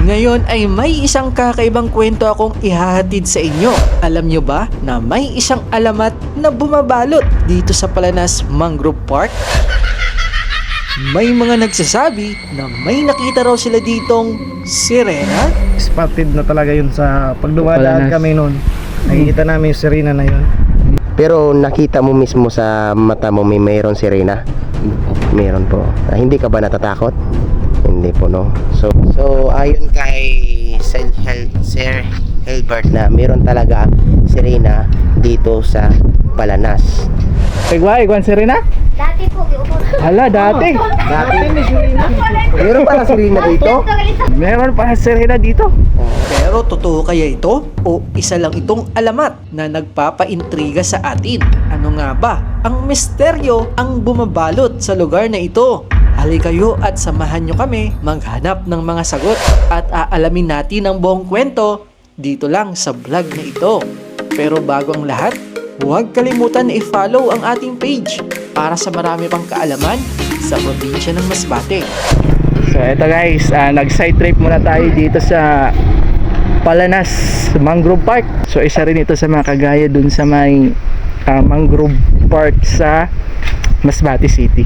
Ngayon ay may isang kakaibang kwento akong ihahatid sa inyo. Alam nyo ba na may isang alamat na bumabalot dito sa Palanas Mangrove Park? May mga nagsasabi na may nakita raw sila ditong sirena. Spotted na talaga yun sa pagdumadaan kami noon. Nakikita namin yung sirena na yun. Pero nakita mo mismo sa mata mo mayroon sirena? Meron po. Hindi ka ba natatakot? Hindi po, no? So ayon kay Sir Hilbert na meron talaga sirena dito sa Palanas. Igwan sirena? Dati po, giupo. Hala, dati. Dati may sirena. Meron pala sirena dito? Meron pa sirena dito. Pero totoo kaya ito? O isa lang itong alamat na nagpapaintriga sa atin? Ano nga ba ang misteryo ang bumabalot sa lugar na ito? Halika kayo at samahan nyo kami maghanap ng mga sagot at aalamin natin ang buong kwento dito lang sa vlog na ito. Pero bago ang lahat, huwag kalimutan na i-follow ang ating page para sa marami pang kaalaman sa probinsya ng Masbate. So eto guys, nag-side trip muna tayo dito sa Palanas Mangrove Park. So isa rin ito sa mga kagaya dun sa may Mangrove Park sa Masbate City.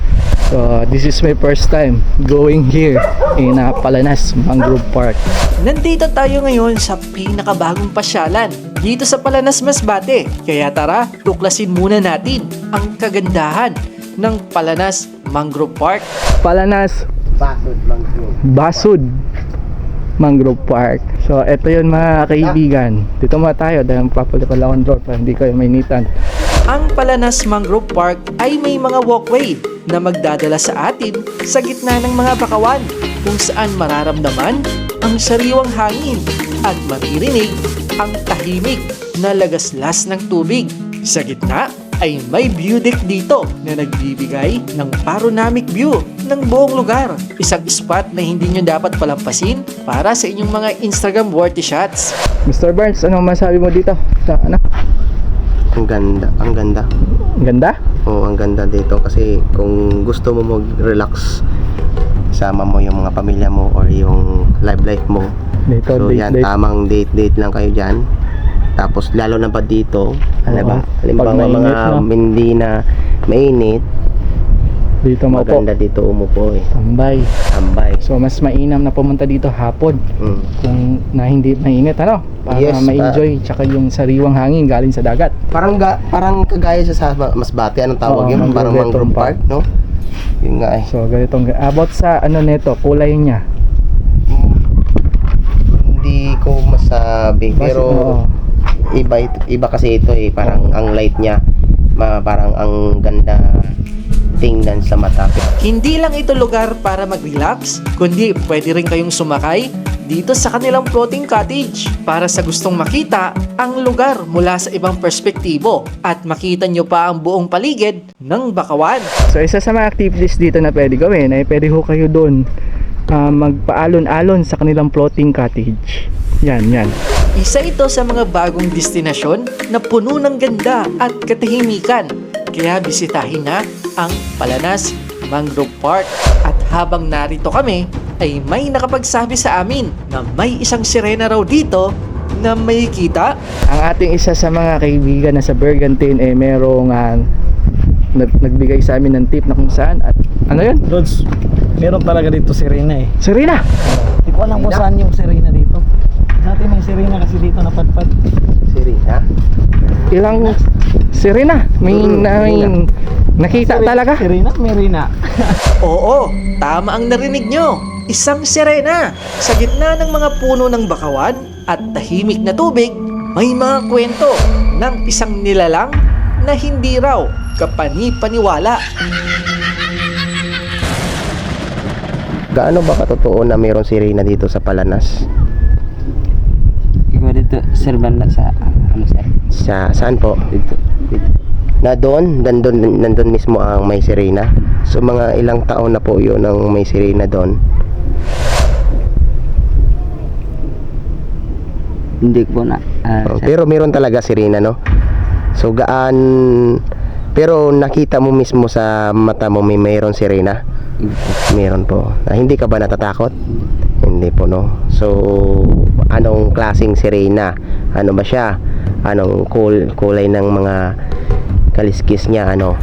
So this is my first time going here in Palanas Mangrove Park. Nandito tayo ngayon sa pinakabagong pasyalan dito sa Palanas, Masbate. Kaya tara, tuklasin muna natin ang kagandahan ng Palanas Mangrove Park. Palanas Basud Mangrove. Basud Mangrove Park. So eto yun mga kaibigan. Dito muna tayo dahil papalipad lang ang door para hindi kayo mainitan. Ang Palanas Mangrove Park ay may mga walkway na magdadala sa atin sa gitna ng mga bakawan kung saan mararamdaman ang sariwang hangin at maririnig ang tahimik na lagaslas ng tubig. Sa gitna ay may view deck dito na nagbibigay ng panoramic view ng buong lugar. Isang spot na hindi nyo dapat palampasin para sa inyong mga Instagram worthy shots. Mr. Burns, anong masabi mo dito? Sa ano? Ang ganda, ang ganda. Ang ganda? Oo, ang ganda dito kasi kung gusto mo mag-relax, sama mo yung mga pamilya mo or yung life mo. Dito, So yan, tamang date lang kayo dyan. Tapos lalo na pa dito, Oo. halimbawa Pag mainit, mga no? hindi na mainit, Dito mo po. maganda dito umupo eh. Tambay. Tambay. So mas mainam na pumunta dito hapon Mm. kung na hindi mainit ano para Yes, ma-enjoy tsaka yung sariwang hangin galing sa dagat. Parang kagaya sa Masbate, anong tawag Oo, yun? Mangrove Parang Veteran Mangrove Park, no? Yun nga eh. So ganitong about sa ano nito, kulay niya. Hindi ko masabi, pero Oo. iba kasi ito eh, parang ang light niya, parang ang ganda tingnan sa mata. Hindi lang ito lugar para mag-relax, kundi pwede rin kayong sumakay dito sa kanilang floating cottage para sa gustong makita ang lugar mula sa ibang perspektibo at makita nyo pa ang buong paligid ng bakawan. So isa sa mga activities dito na pwede gawin ay pwede ho kayo doon magpaalon-alon sa kanilang floating cottage. Yan. Isa ito sa mga bagong destinasyon na puno ng ganda at katahimikan. Kaya bisitahin na ang Palanas Mangrove Park. At habang narito kami, ay may nakapagsabi sa amin na may isang sirena raw dito na may kita. Ang ating isa sa mga kaibigan na sa Bergantin ay merong nagbigay sa amin ng tip na kung saan at ano yun? Lods, meron talaga dito sirena eh. Sirena! Hindi ko alam kung saan yung sirena dito. Dati may sirena kasi dito napadpad. Sirena? Ilang sirena? May nakita talaga? Sirena? Merina. Oo, tama ang narinig nyo. Isang sirena. Sa gitna ng mga puno ng bakawan at tahimik na tubig, may mga kwento ng isang nilalang na hindi raw kapani-paniwala. Gaano ba katotoo na mayroong sirena dito sa Palanas? Ikaw dito, sir, banda sa, ano sir? Saan po? Dito. Na nandun mismo ang may sirena. So mga ilang taon na po yun ang may sirena doon. Hindi ko na, sir. Pero meron talaga sirena, no? So pero nakita mo mismo sa mata mo mayroong sirena? Meron po. Hindi ka ba natatakot? Hindi po, no? So, anong klaseng sirena? Ano ba siya? Anong kulay ng mga kaliskis niya? Ano?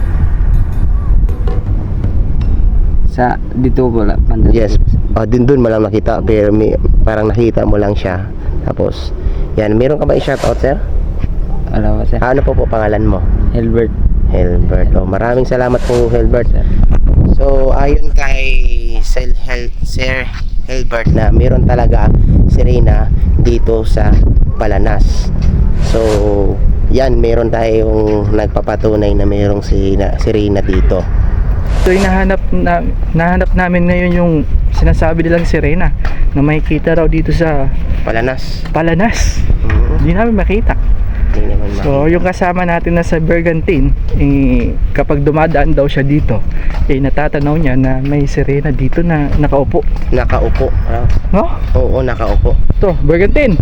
Sa dito po la banda. Yes. Dun mo lang nakita, pero parang nakita mo lang siya. Tapos, yan. Meron ka ba i-shoutout, sir? Wala po sir. Ano po pangalan mo? Helbert. Helbert. Maraming salamat po, Helbert. So, ayon kay Sir Helbert na meron talaga sirena dito sa Palanas. So, yan, meron tayong nagpapatunay na merong sirena dito. So nahanap namin ngayon yung sinasabi nilang sirena na makikita raw dito sa Palanas. Hindi namin makita. Hindi naman So yung kasama natin na sa Bergantin, kapag dumadaan daw siya dito, natatanaw niya na may sirena dito na nakaupo. Nakaupo. No? Oo, nakaupo. To, Bergantin.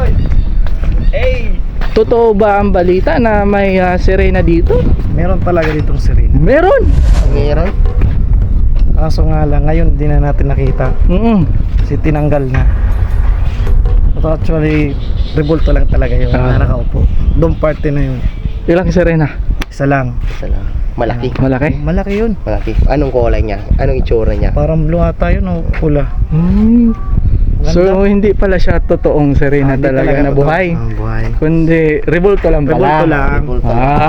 Totoo ba ang balita na may sirena dito? Meron talaga ditong sirena. Meron. Meron? Kaso nga lang, ngayon di na natin nakita. Kasi tinanggal na. But actually, rebulto lang talaga yun na nakaupo. Doon party na yun. Ilang sirena? Isa lang. Isa lang. Malaki. Malaki? Malaki yun. Malaki. Anong kulay niya? Anong itsura niya? Parang blue ata yun o pula. So hindi pala siya totoong sirena Hindi talaga na buhay. buhay. Kundi rebulto lang pala. Rebulto lang. Rebulto.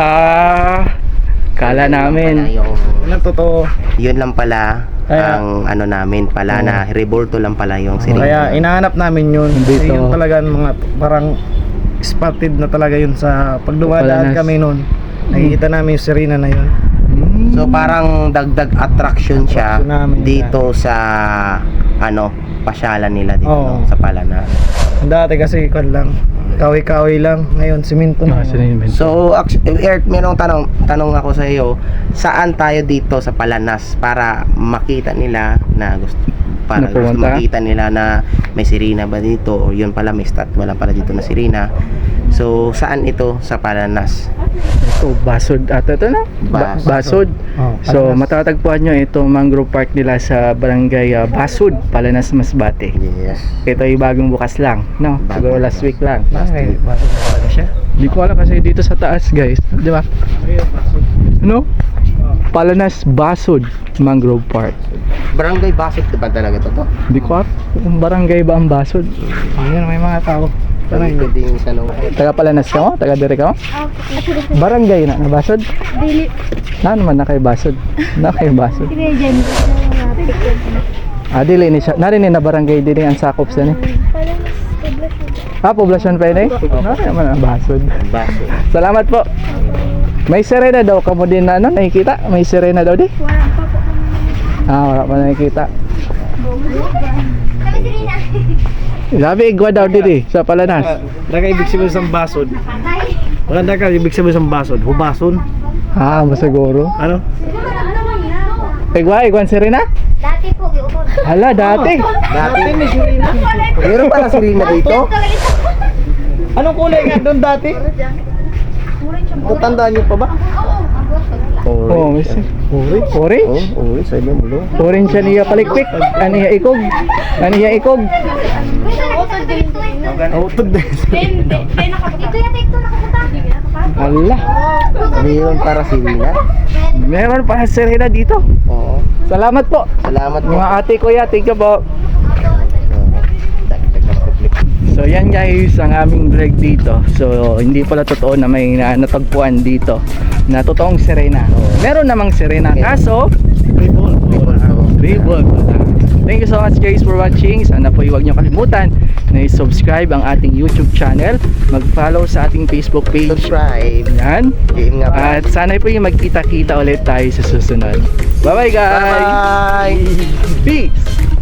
Kala namin. Yun ang totoo. Yun lang pala ang ano namin pala na revolto lang pala yung sirena. Kaya inahanap namin yun. Dito. Kasi yun talaga mga parang spotted na talaga yun sa pagdumadaan Palanas. kami noon. Nakikita namin yung sirena na yun. So parang dagdag attraction siya Attraction namin dito sa ano pasyalan nila dito Oo. no, sa Palanas. Dati kasi kwan lang, kawi-kawi lang. Ngayon simento na. So Eric, merong tanong ako sa iyo, saan tayo dito sa Palanas para makita nila na gusto para Na gusto pumunta? makita nila na may sirena ba dito o yun pala may wala pala dito na sirena. So saan ito sa Palanas? Ito, Basod ata ito na? Basod. Oh, So Palanas. matatagpuan nyo itong mangrove park nila sa barangay Basod, Palanas, Masbate. Yes. Ito ay bagong bukas lang, no? Siguro last week lang. Okay, bakit talaga siya? Hindi ko alam kasi dito sa taas, guys, di ba? Ano? Palanas Basod Mangrove Park. Barangay Basot ba talaga to? Hindi ko alam kung barangay ba ang Basod. Ayun, may mga tao. Pwede yung tanong. Taga Palanas ka mo? Taga dire ka mo? Barangay na Basod? Dili. Na naman na kay Basod. Na kay Basod. Sige, dyan. Dili ni siya. Narinig na barangay dili ang sakop sa ni. Parang poblasyon. Poblasyon pa ini? Na naman ang Basod. Basot. Salamat po. May sirena daw kamo din na ano, nakikita? May sirena daw di? Wala pa po. Wala pa nakikita. Kami Serena. Sabi igwa daw dito sa Palanas. Daga ibig sabihin sa basod. Tay. Maganda ka ibig sabihin sa basod. Hubason. Masaguro. Ano? Igwan sirena? Dati po, giupod. Hala, dati. Dati may sirena. Meron pala sirena dito? Anong kulay nga doon dati? Tatandaan niyo pa ba? Oh, may Orange. orange. Orange, sabi mo lo. Orange siya niya palikpik. Aniya ikog. Aniya ikog. Utod din. Ito yata ito nakapunta. Hala. Meron para sirena? Meron pa sirena dito. Oo. Salamat po. Salamat po. Mga ate kuya, thank you po. So yan guys ang aming vlog dito. So hindi pala totoo na may natagpuan dito na totoong sirena. Meron namang sirena kaso Rebel. Thank you so much guys for watching. Sana po huwag niyo kalimutan na i-subscribe ang ating YouTube channel, mag-follow sa ating Facebook page. Subscribe. Yan. Game nga pa. At sana po yung magkita-kita ulit tayo sa susunod. Bye bye guys. Bye. Peace.